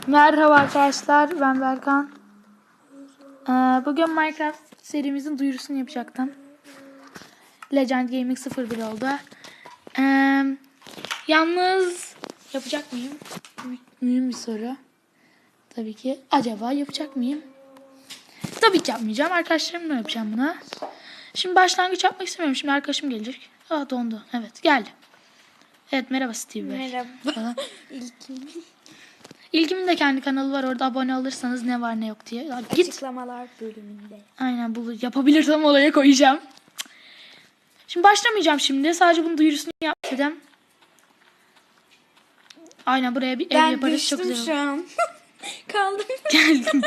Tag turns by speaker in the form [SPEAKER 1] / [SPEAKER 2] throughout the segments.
[SPEAKER 1] Merhaba arkadaşlar, ben Berkan. Bugün Minecraft serimizin duyurusunu yapacaktım. Legend Gaming 01 oldu. Yalnız yapacak mıyım? Mühim bir soru. Tabii ki. Acaba yapacak mıyım? Tabii ki yapmayacağım. Arkadaşlarımla yapacağım bunu. Şimdi başlangıç yapmak istemiyorum. Şimdi arkadaşım gelecek. Dondu. Evet, geldi. Evet, merhaba Steve Bey.
[SPEAKER 2] Merhaba. İlkim.
[SPEAKER 1] İlkimin de kendi kanalı var. Orada abone olursanız ne var ne yok diye. Ya git.
[SPEAKER 2] Açıklamalar bölümünde.
[SPEAKER 1] Aynen, yapabilirsem olaya koyacağım. Şimdi başlamayacağım şimdi. Sadece bunun duyurusunu yaptım. Aynen, buraya bir ev yaparız. Çok güzel olur.
[SPEAKER 2] Şu an. Kaldım.
[SPEAKER 1] Geldim.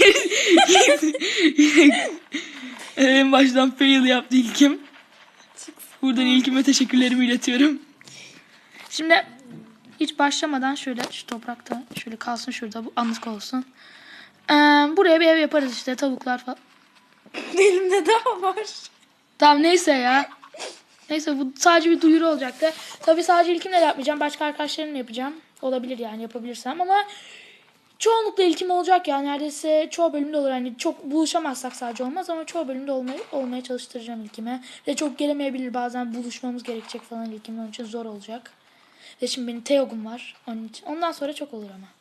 [SPEAKER 1] En baştan fail yaptı ilkim. Buradan ilkime teşekkürlerimi iletiyorum. Şimdi hiç başlamadan şöyle şu toprakta şöyle kalsın, şurada bu anlık olsun. Buraya bir ev yaparız işte, tavuklar falan.
[SPEAKER 2] Elimde daha var.
[SPEAKER 1] Tamam, neyse ya. Neyse, bu sadece bir duyuru olacaktı. Tabii sadece ilkimle de yapmayacağım. Başka arkadaşlarımla yapacağım. Olabilir yani, yapabilirsem, ama çoğunlukla ilkim olacak ya. Neredeyse çoğu bölümde olur. Hani çok buluşamazsak sadece olmaz, ama çoğu bölümde olmaya çalıştıracağım ilkime. Ve çok gelemeyebilir, bazen buluşmamız gerekecek falan ilkimle. Onun için zor olacak. Ve şimdi benim Teog'um var onun için. Ondan sonra çok olur ama.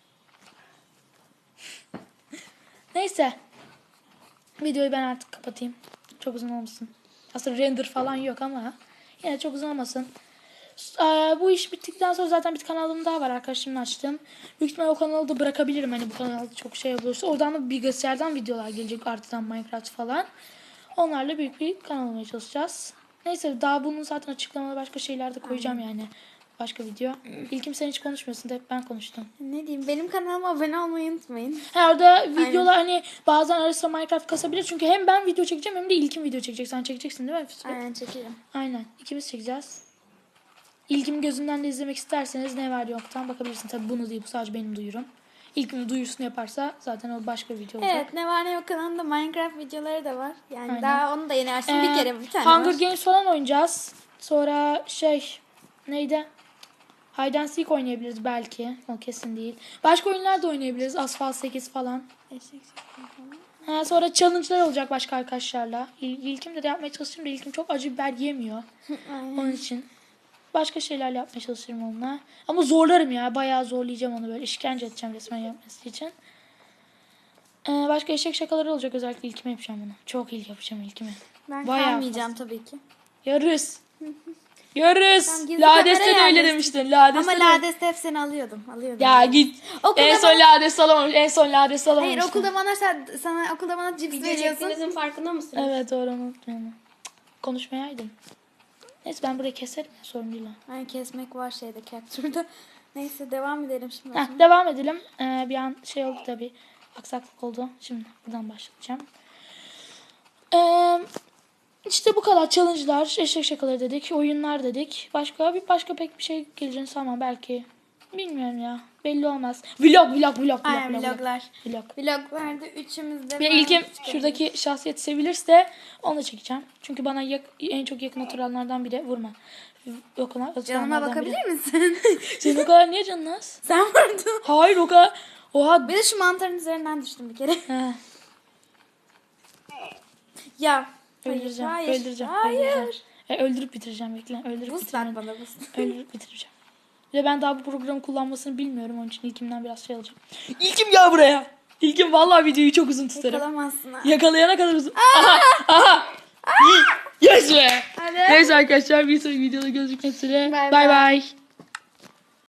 [SPEAKER 1] Neyse. Videoyu ben artık kapatayım. Çok uzun olmasın. Aslında render falan yok ama yine çok uzun olmasın. Bu iş bittikten sonra zaten bir kanalım daha var, arkadaşımla açtım. Büyük ihtimalle o kanalı da bırakabilirim. Hani bu kanalda çok şey olursa. Oradan da bilgisayardan videolar gelecek, artıdan Minecraft falan. Onlarla büyük bir kanal olmaya çalışacağız. Neyse, daha bunun zaten açıklamalı başka şeyler de koyacağım yani. Başka video. İlkim, sen hiç konuşmuyorsun da hep ben konuştum.
[SPEAKER 2] Ne diyeyim? Benim kanalıma abone olmayı unutmayın.
[SPEAKER 1] Orada videolar hani bazen arasında Minecraft kasabilir. Çünkü hem ben video çekeceğim hem de İlkim video çekecek. Sen çekeceksin değil mi?
[SPEAKER 2] Aynen, çekelim.
[SPEAKER 1] Aynen. İkimiz çekeceğiz. İlkim gözünden de izlemek isterseniz ne var yoktan bakabilirsin. Tabii bunu değil, bu sadece benim duyurum. İlkim duyurusunu yaparsa zaten o başka bir video olacak.
[SPEAKER 2] Evet, ne var ne yok kanalında Minecraft videoları da var. Yani
[SPEAKER 1] Aynen.
[SPEAKER 2] daha onu da yeni açtım, bir tane
[SPEAKER 1] Hunger
[SPEAKER 2] var.
[SPEAKER 1] Games falan oynayacağız. Sonra neydi? Hide and Seek oynayabiliriz belki. O kesin değil. Başka oyunlar da oynayabiliriz. Asphalt 8 falan. Sonra challenge'lar olacak başka arkadaşlarla. İlkim de yapmaya çalışırım da İlkim çok acı biber yemiyor. Onun için. Başka şeylerle yapmaya çalışırım onunla. Ama zorlarım ya. Bayağı zorlayacağım onu, böyle işkence edeceğim resmen yapması için. Başka eşek şakaları olacak. Özellikle İlkime yapacağım bunu. Çok iyi yapacağım İlkime.
[SPEAKER 2] Ben
[SPEAKER 1] Bayağı
[SPEAKER 2] kalmayacağım tabii ki.
[SPEAKER 1] Yarız. Yarız.
[SPEAKER 2] Tamam,
[SPEAKER 1] Lades'te de öyle demiştin. Lades'te
[SPEAKER 2] ama
[SPEAKER 1] de...
[SPEAKER 2] Lades'te hep seni alıyordum.
[SPEAKER 1] Ya git. En son Lades alamamış. En son Lades alamamış.
[SPEAKER 2] Hayır, okulda bana sana okulda bana cips
[SPEAKER 3] Video
[SPEAKER 2] veriyorsun.
[SPEAKER 3] çektiğinizin farkında mısınız?
[SPEAKER 1] Evet, doğru, unutmayalım. Konuşmayaydım. Neyse, ben burayı keserim ya, sorun değil.
[SPEAKER 2] Yani kesmek var şeyde, capture'da. Neyse, devam edelim şimdi.
[SPEAKER 1] Devam edelim. Bir an oldu tabii. Aksaklık oldu. Şimdi buradan başlayacağım. İşte bu kadar. Challenge'lar, eşek şakaları dedik, oyunlar dedik. Başka pek bir şey geleceğini sanmam belki. Bilmiyorum ya. Belli olmaz. Vlog.
[SPEAKER 2] Aynen, vloglar.
[SPEAKER 1] Vlog.
[SPEAKER 2] Vloglarda üçümüzde.
[SPEAKER 1] Ve ilkim şuradaki şahsiyeti sevilirse onu da çekeceğim. Çünkü bana en çok yakın oturanlardan biri. Vurma.
[SPEAKER 2] Canıma bakabilir misin?
[SPEAKER 1] Senin o kadar niye canın az?
[SPEAKER 2] Sen vurdun.
[SPEAKER 1] Hayır, o kadar. Oha.
[SPEAKER 2] Bir de şu mantarın üzerinden düştüm bir kere.
[SPEAKER 1] He.
[SPEAKER 2] Ya.
[SPEAKER 1] Öldüreceğim.
[SPEAKER 2] Hayır.
[SPEAKER 1] Öldüreceğim. Öldürüp bitireceğim, bekle.
[SPEAKER 2] Boost at bana, boost.
[SPEAKER 1] Öldürüp bitireceğim. Ve ben daha bu programı kullanmasını bilmiyorum. Onun için ilkimden biraz alacağım. İlkim, gel buraya. İlkim, vallahi videoyu çok uzun tutarım.
[SPEAKER 2] Yakalamazsın ha.
[SPEAKER 1] Yakalayana kadar uzun. Aha. Yes be.
[SPEAKER 2] Hadi.
[SPEAKER 1] Neyse arkadaşlar, bir sonraki videoda görüşmek üzere.
[SPEAKER 2] Bye
[SPEAKER 1] Bye bye.